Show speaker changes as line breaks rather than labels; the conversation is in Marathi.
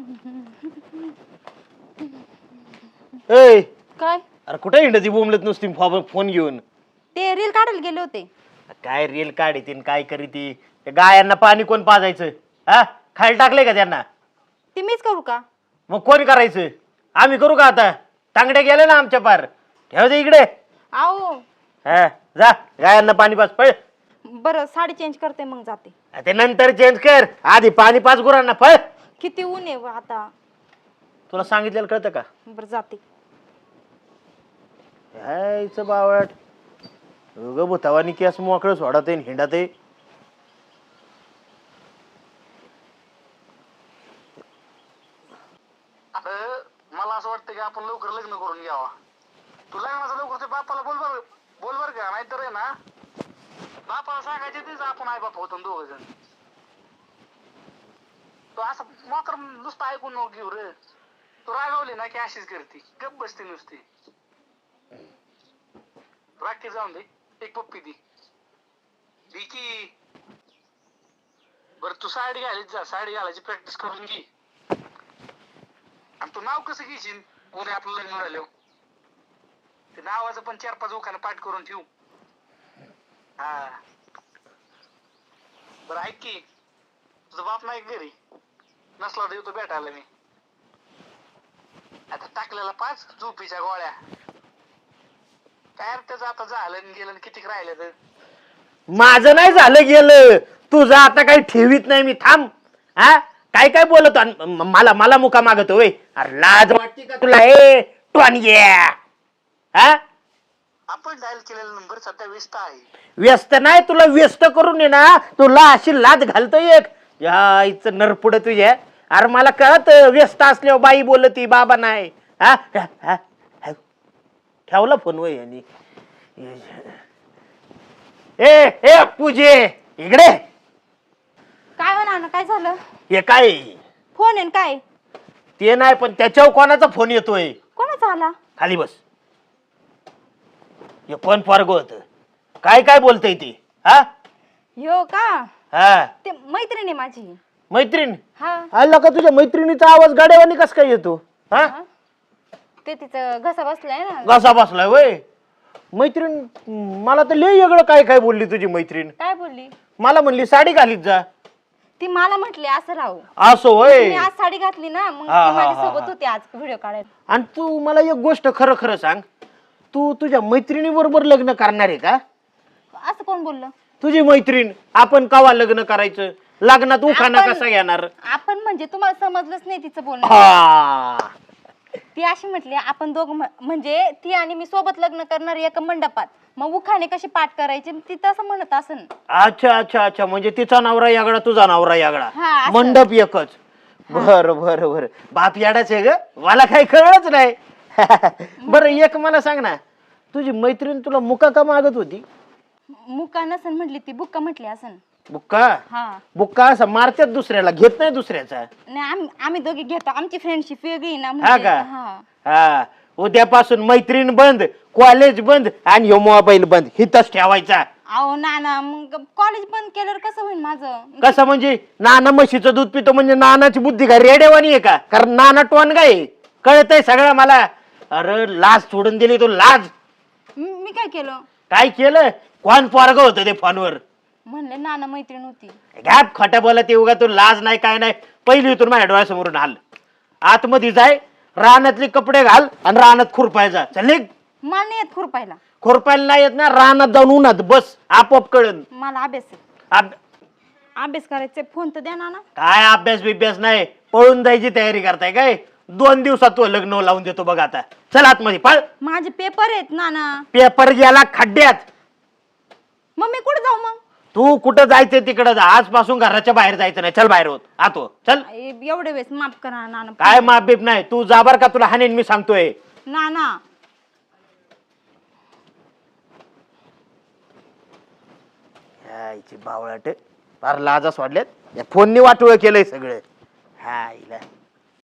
ए
काय
अरे कुठे हिंडती बोंबलत नुसती फोन घेऊन?
ते रील काढायला गेले होते.
काय रील काढीतीन काय करीती? त्या गायांना पाणी कोण पाजायचं? हा, खायला टाकले का त्यांना?
ते मीच करू का?
मग कोण करायचं? आम्ही करू का आता? तांगडे गेले ना आमच्या पार. ठेव दे इकडे.
आओ
हा, जा गायांना पाणी पाज पळ.
बरं साडी चेंज करते मग जाते.
ते नंतर चेंज कर, आधी पाणी पाज गुरांना पळ.
किती ऊन आहे आता.
तुला सांगितलेलं कळतं का?
बरं जाते.
यायचं बावट उग भूतावानी केस मोकळं सोडत आहे हिंडत आहे.
मला असं वाटतं की आपण लवकर लग्न करून घ्यावा. तू लग्नाचं लवकर ते बापाला बोल बर का, नाहीतर आहे ना बापाला सांगायचे तेच आपण आई बाप होतो दोघ जण. तो असं मोकर नुसतं ऐकून नको घेऊ रे. तू रागावली ना की अशीच करते, गप बसते नुसती. राखी जाऊन दे, एक पप्पी दी की. बर तू साडी घालीत जा, साडी घालायची प्रॅक्टिस करून घे. आणि तू नाव कसं घेशील उद्या आपलं लग्न झालं? ते नावाचं पण 4-5 उखाने पाठ करून ठेवू. हा बरं ऐक की, तुझा बाप नाही घरी, नसला तर येतो भेटायला मी. आता टाकलेला 5 झोपीच्या गोळ्या. काय त्याचं आता झालं गेलं किती राहिलं तर.
माझं नाही झालं गेलं, तुझं आता काही ठेवीत नाही मी. थांब. हा काय काय बोलतो मला मुका मागतो होय? अरे लाज वाटते का तुला? ए टोनग्या, हा
आपण डायल केलेला नंबर सध्या व्यस्त आहे.
व्यस्त नाही, तुला व्यस्त करून ये ना तुला अशी लाज घालतो एक. या इथं नरपुड तुझ्या. अरे मला कळत व्यस्त असल्यावर बाई बोलती बाबा नाही. हा ठेवला फोन वय यांनी. ए पूजे इकडे.
काय म्हणा काय झालं?
हे काय
फोन आहे काय?
ते नाही पण त्याच्यावर कोणाचा फोन येतोय?
कोणाचा आला?
खाली बस. हे कोण पोरग होत? काय काय बोलतय ते? हा
यो का?
हा
ते मैत्रिणी माझी.
मैत्रीण?
हा
आला का तुझ्या मैत्रिणीचा आवाज गाड्यावानी कस काय येतो? हा
ते तिचं घसा बसलाय ना.
घसा बसलाय वय? मैत्रीण मला तर लय वेगळं काय काय बोलली तुझी मैत्रीण.
काय बोलली?
मला म्हणली साडी घालीत जा.
ती मला म्हटली असं राहू.
असं होय?
मी आज साडी घातली ना मग
हा,
ती
हा,
माझ्यासोबत
हा.
होती आज व्हिडिओ काढायला.
आणि तू मला एक गोष्ट खरं खरं सांग, तू तुझ्या मैत्रिणी बरोबर लग्न करणार आहे का?
असं कोण बोललं?
तुझी मैत्रीण. आपण कवा लग्न करायचं? लग्नात उखाणा कसा घेणार?
आपण म्हणजे तुम्हाला समजलंच नाही तिचं बोलणं.
हा
ती अशी म्हटली आपण दोघ म्हणजे ती आणि मी सोबत लग्न करणार एका मंडपात, मग उखाणे कशी पाठ करायची ती तसं म्हणत असन.
अच्छा अच्छा अच्छा, म्हणजे तिचा नवरा यागडा तुझा नवरा यागडा,
हा, असं.
मंडप एकच. बर बर बर. बाप याडाच आहे ग, मला काही कळलंच नाही. बर एक मला सांग ना, तुझी मैत्रीण तुला मुका का मागत होती?
मुका नसन म्हटली ती बुक्का म्हटली असन.
बुक्का?
हा
बुक्का असं मारतात दुसऱ्याला, घेत नाही दुसऱ्याचा.
नाही आम्ही दोघे घेतो, आमची फ्रेंडशिप वेगळी ना.
हा
म्हणजे
का?
हा
हा उद्यापासून मैत्रीण बंद, कॉलेज बंद आणि ह्यो मोबाईल बंद, हिथच ठेवायचा.
अहो नाना मग कॉलेज बंद केल्यावर कसं होईल माझं?
कसं म्हणजे? नाना म्हशीचं दूध पितो म्हणजे नानाची बुद्धी का रेडेवानी आहे का? कारण नाना टोनगा आहे, कळतंय सगळं मला. अरे लाज सोडून दिली तू, लाज.
मी काय केलं?
काय केलं? कोण पोरग होतं ते फोनवर?
म्हणले नाना मैत्रीण होती.
घ्याप खोट्या बोलत उगा, तू लाज नाही काय नाही. पहिली इथून माझ्या डोळ्यासमोरून हाल. आतमध्ये जाय, रानातले कपडे घाल आणि रानात खुरपायचा. चल
मला नाही येत खुरपायला.
खुरपायला नाही येत ना, रानात जाऊन उन्हात बस, आपोआप कळन.
मला अभ्यास आहे. अभ्यास करायचे, फोन तर द्या नाना.
काय अभ्यास बिभ्यास नाही, पळून जायची तयारी करताय काय? 2 दिवसात तू लग्न लावून देतो बघ आता. चल आतमध्ये पळ.
माझे पेपर आहेत नाना.
पेपर गेला खड्ड्यात.
मग मी कुठे जाऊ? मग
तू कुठं जायचं तिकडं जा, आजपासून घराच्या बाहेर जायचं नाही. चल बाहेर होत आतो चल.
एवढे वेळेस माफ करा नाना.
काय माप बीप नाही, तू जाबर का? तुला हाणेन मी सांगतोय.
नाना
यायची बावळाट, फार लाजा सोडल्यात. या फोननी वाटोळ केलंय सगळं. हायला